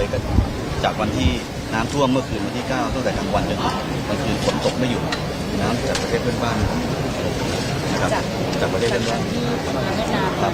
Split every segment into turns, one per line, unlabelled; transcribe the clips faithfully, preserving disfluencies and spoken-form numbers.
ก็จากวันที่น้ำท่วมเมื่อคืนวันที่เก้าตั้งแต่กลางวันจนกลางคืนฝนตกไม่หยุดน้ำจากประเทศเพื่อนบ้านนะครับจากประเทศเพื่อนบ้านครับ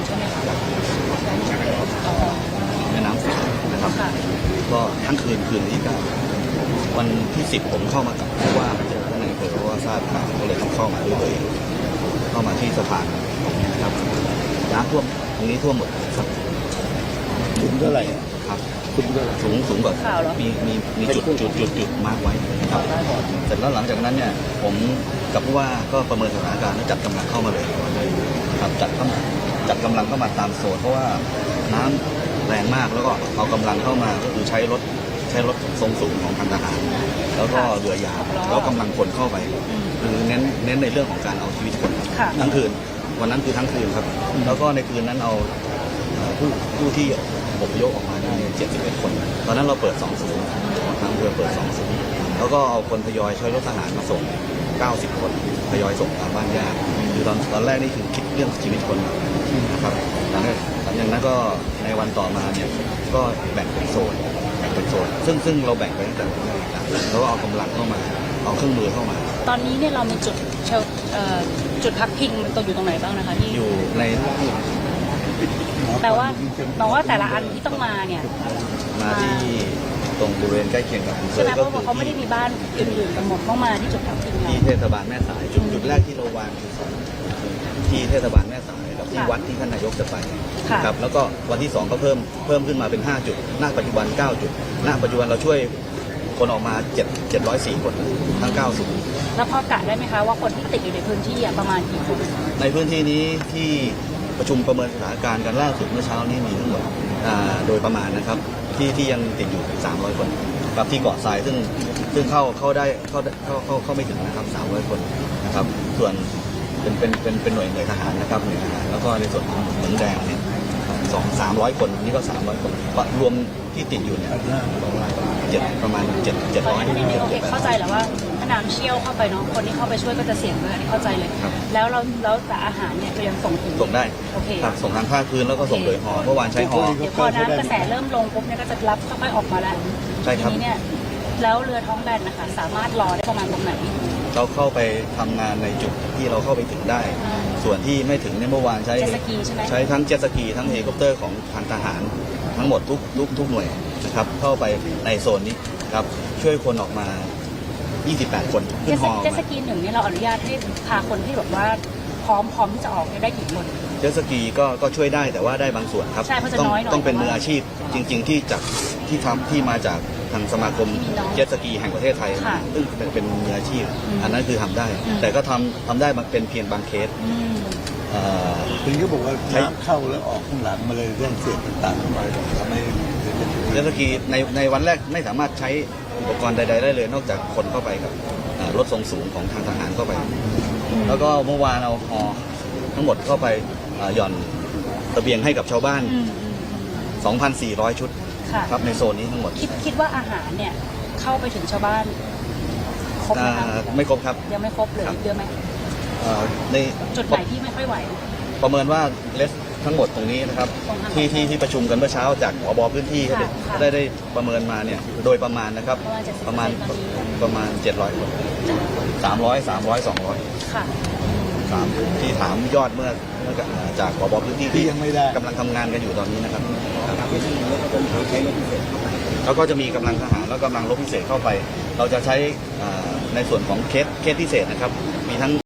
แม่น้ำฝางนะครับก็ทั้งคืนคืนที่เก้าวันที่สิบผมเข้ามากับผู้ว่ามาเจอท่านนายอำเภอเพราะว่าทราบข่าวก็เลยต้องเข้ามาด้วยตัวเองเข้ามาที่สะพานนะครับน้ำท่วมตรงนี้ท่วมหมดครับ
สูงเท่าไหร่
ครับสูงสูงกว่ามีมีมีจุดจุดจุดจุดมาร์กไว้ครับเสร็จแล้วหลังจากนั้นเนี่ยผมกับผู้ว่าก็ประเมินสถานการณ์แล้วจัดกำลังเข้ามาเลยครับจัดเข้ามาจัดกำลังเข้ามาตามโซนเพราะว่าน้ำแรงมากแล้วก็เอากำลังเข้ามาก็คือใช้รถใช้รถทรงสูงของทางทหารแล้วก็เรือยาวแล้วกำลังคนเข้าไปคือเน้นเน้นในเรื่องของการเอาชีวิตคนทั้งคืนวันนั้นคือทั้งคืนครับแล้วก็ในคืนนั้นเอาผู้ผู้ที่อพยพออกมาได้เจ็ดสิบเอ็ดคนตอนนั้นเราเปิดสองศูนย์ทางเรือเปิดสองศูนย์แล้วก็เอาคนทยอยใช้รถทหารมาส่งเก้าสิบคนทยอยส่งตามบ้านญาติคือตอนตอนแรกนี่คือคิดเรื่องชีวิตคนนะครับหลังจากนั้นก็ในวันต่อมาเนี่ยก็แบ่งเป็นโซนแบ่งเป็นโซนซึ่งซึ่งเราแบ่งไปตั้งแต่แล้วก็เอากำลังเข้ามาเอาเครื่องมือเข้ามา
ตอนนี้เนี่ยเรามีจุดเชลจุดพักพิงมันตรงอยู่ตรงไหนบ้างนะคะที่
อยู่ใน
แต่ว่าแต่ว่าแต่ละอันที่ต้องมาเนี่ย
มาที่ตรงบริเวณใกล้เคียงกับ
ใช่ไหมเพราะว่าเขาไม่ได้มีบ้านอื่นๆกันหมดต้องมาที่จุดพักพิง
ที่เทศบาลแม่สายจุดจุดแรกที่เราวางคือที่เทศบาลแม่สายกับที่วัดที่ท่านนายกจะไปครับแล้วก็วันที่สองก็เพิ่มเพิ่มขึ้นมาเป็นห้าจุดณปัจจุบันเก้าจุดณปัจจุบันเราช่วยคนออกมาเจ็ดเจ็ดร้อยสี่คนทั้งเก้าศูนย์
แล้วพอกะได้ไหมคะว่าคนที่ติดอยู่ในพื้นที่ประมาณกี่คน
ในพื้นที่นี้ที่ประชุมประเมินสถานการณ์กันล่าสุดเมื่อเช้านี้มีทั้งหมดโดยประมาณนะครับที่ที่ยังติดอยู่สามร้อยคนกับที่เกาะทรายซึ่งซึ่งเข้าเข้าได้เข้าเข้าเข้าเข้าไม่ถึงนะครับสามร้อยคนนะครับส่วนเป็นเป็นเป็นเป็นหน่วยหน่วยทหารนะครับหน่วยทหารแล้วก็ในส่วนของเหมืองแดงเนี่ยสองสามร้อยคนนี่ก็สามร้อยคนรวมที่ติดอยู่เนี่ยเจ็ดประมาณเจ็ดเจ็ดร้อย
เข้าใจแหละว่าถ้าน้ำเชี่ยวเข้าไปเนาะคนที่เข้าไปช่วยก็จะเสี่ยงด้วยอันนี้เข้าใจเลยแล้วเราแล้วแต่อาหารเนี่ยเรายังส่งถึง
ส่งได้
โอเค
ครับส่งทางภาคพื้นแล้วก็ส่งโดยหอเมื่อวานใช้หอ
เดี๋ยวพอน้ำกระแสเริ่มลงปุ๊บเนี่ยก็จะรับค่อยๆออกมาแล้ว
ใช่ครับ
ทีนี้เนี่ยแล้วเรือท้องแบนนะคะสามารถรอได้ประมาณตรงไหน
เราเข้าไปทำงานในจุดที่เราเข้าไปถึงได้ส่วนที่ไม่ถึงในเมื่อวานใช้ใช้ทั้งเจ็ตสกีทั้งเฮลิคอปเตอร์ของทางทหารทั้งหมดทุกทุกทุกหน่วยนะครับเข้าไปในโซนนี้ครับช่วยคนออกมายี่สิบแปดคนขึ้นฮอ
เจ็ตสกีหนึ่งเนี่ยเราอนุญาตให้พาคนที่แบบว่าพร้อมพร้อมที่จะออกได้กี่คน
เจ็ตสกีก็ก็ช่วยได้แต่ว่าได้บางส่วนครับต้องต้องเป็นมืออาชีพจริงๆที่จากที่ทำที่มาจากทางสมาคมเจ็ตสกีแห่งประเทศไทยซึ่งเป็นเป็นมืออาชีพอันนั้นคือทำได้แต่ก็ทำทำได้มันเป็นเพียงบางเคส
คือเขาบอกว่าน้ำเข้าแล้วออกข้างหลังมาเลยเรื่องเสียงต่างๆมาทำให้
เจ็ตสกีในในวันแรกไม่สามารถใช้อุปกรณ์ใดๆได้เลยนอกจากคนเข้าไปกับรถทรงสูงของทางทหารเข้าไปแล้วก็เมื่อวานเอาฮอทั้งหมดเข้าไปหย่อนตะเบียงให้กับชาวบ้าน สองพันสี่ร้อย ชุดครับในโซนนี้ทั้งหมด
คิดคิดว่าอาหารเนี่ยเข้าไปถึงชาวบ้านครบไหมครับ
ไม่ครบครับ
ยังไม่ครบเลยเยอะไหม
ใน
จุดไหนที่ไม่ค่อยไหว
ประเมินว่าเลสทั้งหมดตรงนี้นะครับที่ที่ที่ประชุมกันเมื่อเช้าจากผบ.พื้นที่ได้ได้ประเมินมาเนี่ยโดยประมาณนะครับประมาณประมาณเจ็ดร้อยคนสามร้อยสามร้อยสองร้อย
ค่ะ
สามที่ถามยอดเมื่อเมื่อจากผบ.พื้นที่ที่
ยังไม่ได้
กำลังทำงานกันอยู่ตอนนี้นะครับแล้วก็จะมีกำลังทหารแล้วกำลังรบพิเศษเข้าไปเราจะใช้ในส่วนของเคสเคสพิเศษนะครับมีทั้ง